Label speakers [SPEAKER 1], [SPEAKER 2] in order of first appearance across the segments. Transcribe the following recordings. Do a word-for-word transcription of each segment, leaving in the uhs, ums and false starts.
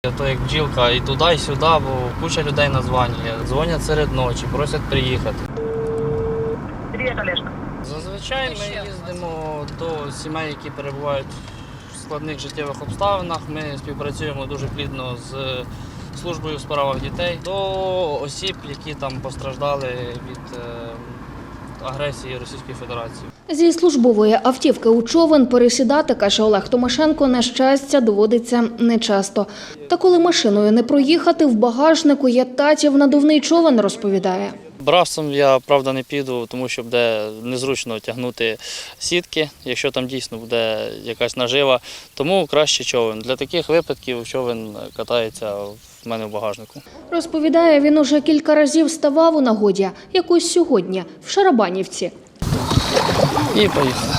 [SPEAKER 1] То як бджілка і туди, і сюди, бо куча людей названює. Дзвонять серед ночі, просять приїхати.
[SPEAKER 2] Привіт, Олешка.
[SPEAKER 1] Зазвичай ми їздимо до сімей, які перебувають в складних життєвих обставинах. Ми співпрацюємо дуже плідно з службою у справах дітей, до осіб, які там постраждали від агресії Російської Федерації.
[SPEAKER 3] Зі службової автівки у човен пересідати, каже Олег Томашенко, на щастя, доводиться нечасто. Та коли машиною не проїхати, в багажнику є татів надувний човен, розповідає.
[SPEAKER 1] Бравцем я, правда, не піду, тому що буде незручно тягнути сітки, якщо там дійсно буде якась нажива. Тому краще човен. Для таких випадків човен катається в мене в багажнику.
[SPEAKER 3] Розповідає, він уже кілька разів ставав у нагоді, якось сьогодні, в Шарабанівці.
[SPEAKER 1] І поїхали.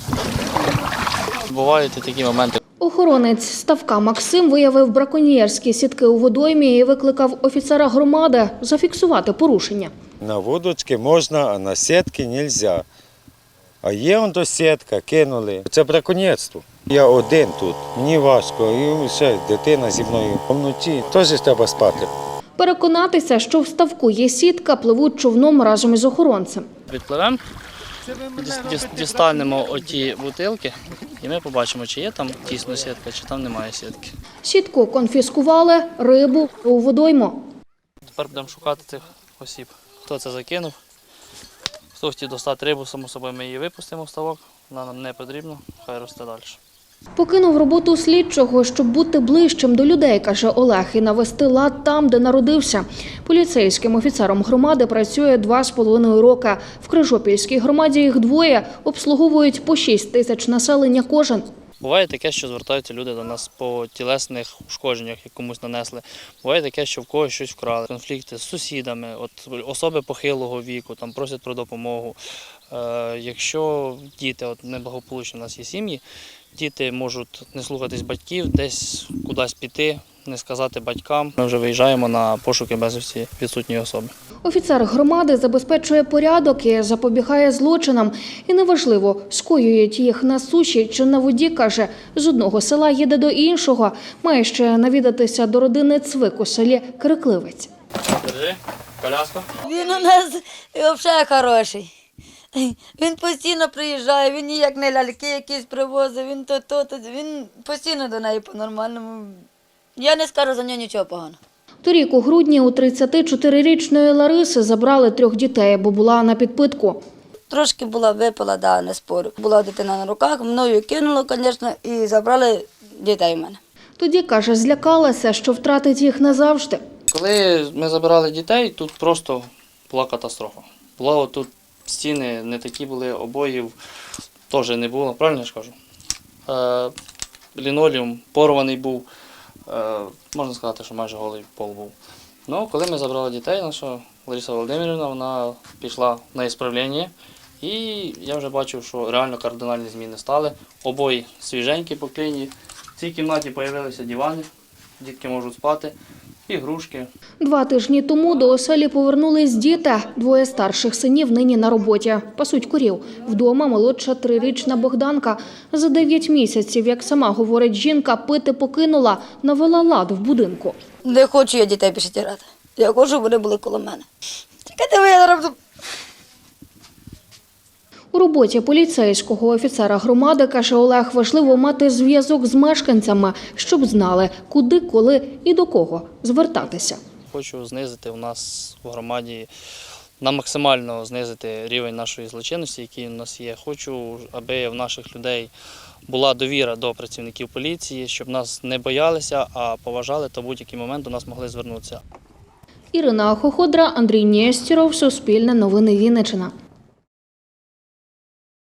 [SPEAKER 1] Бувають і такі моменти.
[SPEAKER 3] Охоронець ставка Максим виявив браконьєрські сітки у водоймі і викликав офіцера громади зафіксувати порушення.
[SPEAKER 4] На вудочки можна, а на сітки не можна. А є он до сітка, кинули. Це браконьєрство. Я один тут, мені важко, і ще дитина зі мною вночі, теж треба спати.
[SPEAKER 3] Переконатися, що в ставку є сітка, пливуть човном разом із охоронцем.
[SPEAKER 1] Відпливемо, дістанемо оті бутилки і ми побачимо, чи є там дійсно сітка, чи там немає сітки.
[SPEAKER 3] Сітку конфіскували, рибу у водойму.
[SPEAKER 1] Тепер будемо шукати цих осіб. Хто це закинув, хто хотів достати рибу, само собою ми її випустимо в ставок, вона нам не потрібна, хай росте далі.
[SPEAKER 3] Покинув роботу слідчого, щоб бути ближчим до людей, каже Олег, і навести лад там, де народився. Поліцейським офіцером громади працює два з половиною роки. В Крижопільській громаді їх двоє, обслуговують по шість тисяч населення кожен.
[SPEAKER 1] Буває таке, що звертаються люди до нас по тілесних ушкодженнях, як комусь нанесли. Буває таке, що в когось щось вкрали. Конфлікти з сусідами, от особи похилого віку, там просять про допомогу. Е, якщо діти, от неблагополучні у нас є сім'ї, діти можуть не слухатись батьків, десь кудись піти, не сказати батькам. Ми вже виїжджаємо на пошуки безвісті відсутньої особи.
[SPEAKER 3] Офіцер громади забезпечує порядок і запобігає злочинам. І неважливо, скоюють їх на суші чи на воді, каже, з одного села їде до іншого. Має ще навідатися до родини Цвик у селі Крикливець.
[SPEAKER 1] Держи, коляска.
[SPEAKER 5] Він у нас взагалі хороший. Він постійно приїжджає, він ніяк не ляльки якісь привозить, він то, то, то, він постійно до неї по-нормальному. Я не скажу за нього нічого поганого.
[SPEAKER 3] Торік у грудні у тридцятичотирирічної Лариси забрали трьох дітей, бо була на підпитку.
[SPEAKER 5] Трошки була випила, да, не спорю. Була дитина на руках, мною кинуло, звісно, і забрали дітей в мене.
[SPEAKER 3] Тоді, каже, злякалася, що втратить їх назавжди.
[SPEAKER 1] Коли ми забирали дітей, тут просто була катастрофа. Була тут стіни не такі були, обоїв теж не було, правильно я ж кажу? Е, лінолеум порваний був, е, можна сказати, що майже голий пол був. Ну, коли ми забрали дітей, наша Лариса Володимирівна, вона пішла на ісправлення, і я вже бачив, що реально кардинальні зміни стали. Обої свіженькі по кліні. В цій кімнаті з'явилися дивани, дітки можуть спати, ігрушки.
[SPEAKER 3] Два тижні тому до оселі повернулись діти. Двоє старших синів нині на роботі. Пасуть корів. Вдома молодша трирічна Богданка. За дев'ять місяців, як сама говорить жінка, пити покинула, навела лад в будинку.
[SPEAKER 5] Не хочу я дітей більше тірати. Я хочу, щоб вони були коло мене. Чекайте, ви я зараз.
[SPEAKER 3] У роботі поліцейського офіцера громади, каже Олег, важливо мати зв'язок з мешканцями, щоб знали, куди, коли і до кого звертатися.
[SPEAKER 1] Хочу знизити у нас в громаді, на максимально знизити рівень нашої злочинності, який у нас є. Хочу, аби в наших людей була довіра до працівників поліції, щоб нас не боялися, а поважали, та в будь-який момент до нас могли звернутися.
[SPEAKER 3] Ірина Хоходра, Андрій Нєстєров, Суспільне новини Вінниччина.